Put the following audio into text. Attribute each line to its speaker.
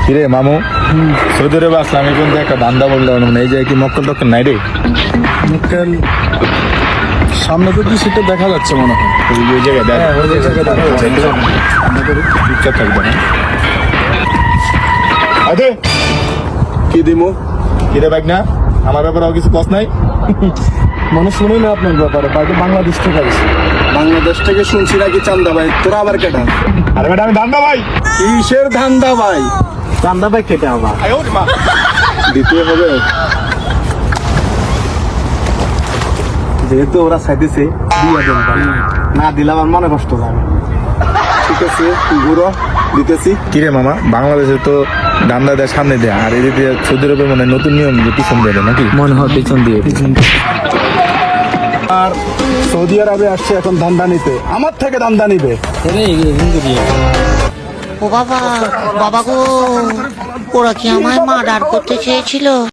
Speaker 1: কিরে মামু, সৌদি আরবে আসলাম এখন তো একটা ধান্দা বললাম মানে এই যে কি মক্কেল টক্কেল নাই রে?
Speaker 2: মক্কেল সামনে তো কি সেটা দেখা যাচ্ছে মনে হয়।
Speaker 1: ওই জায়গায় দেখ,
Speaker 2: ওই জায়গায় দেখা যাচ্ছে।
Speaker 1: চুপচাপ থাকবে না। আরে
Speaker 2: কি দিমু?
Speaker 1: কিরে বাইক না, আমার ব্যাপারে কিছু কস নাই?
Speaker 2: মনে শুনি না আপনার ব্যাপারে, বাইরে বাংলাদেশ থেকে আসছে। বাংলাদেশ থেকে শুনছি নাকি চান্দা ভাই, তোরা আবার কেটা?
Speaker 1: আরে বেটা আমি ধান্দা ভাই।
Speaker 2: কিসের ধান্দা ভাই? চান্দা ভাই কেটে আবার দিতে হবে। যেহেতু ওরা চাইতেছে দিয়ে দেন ভাই। না দিলে আমার মনে কষ্ট যাবে। ঠিক আছে ঘুরো, দিতেছি।
Speaker 1: কিরে মামা, বাংলাদেশে তো ধান্দা দেয় সামনে দেয়, আর এদিকে সৌদি আরবে মানে নতুন নিয়ম যে পিছন দিয়ে দেয় নাকি?
Speaker 3: মনে হয় পিছন দিয়ে
Speaker 2: আর সৌদি আরবে আসছে এখন ধান্দা নিতে, আমার থেকে ধান্দা নিবে।
Speaker 4: ও বাবা, বাবা গো, ওরা কি আমায় মার্ডার করতে চেয়েছিল?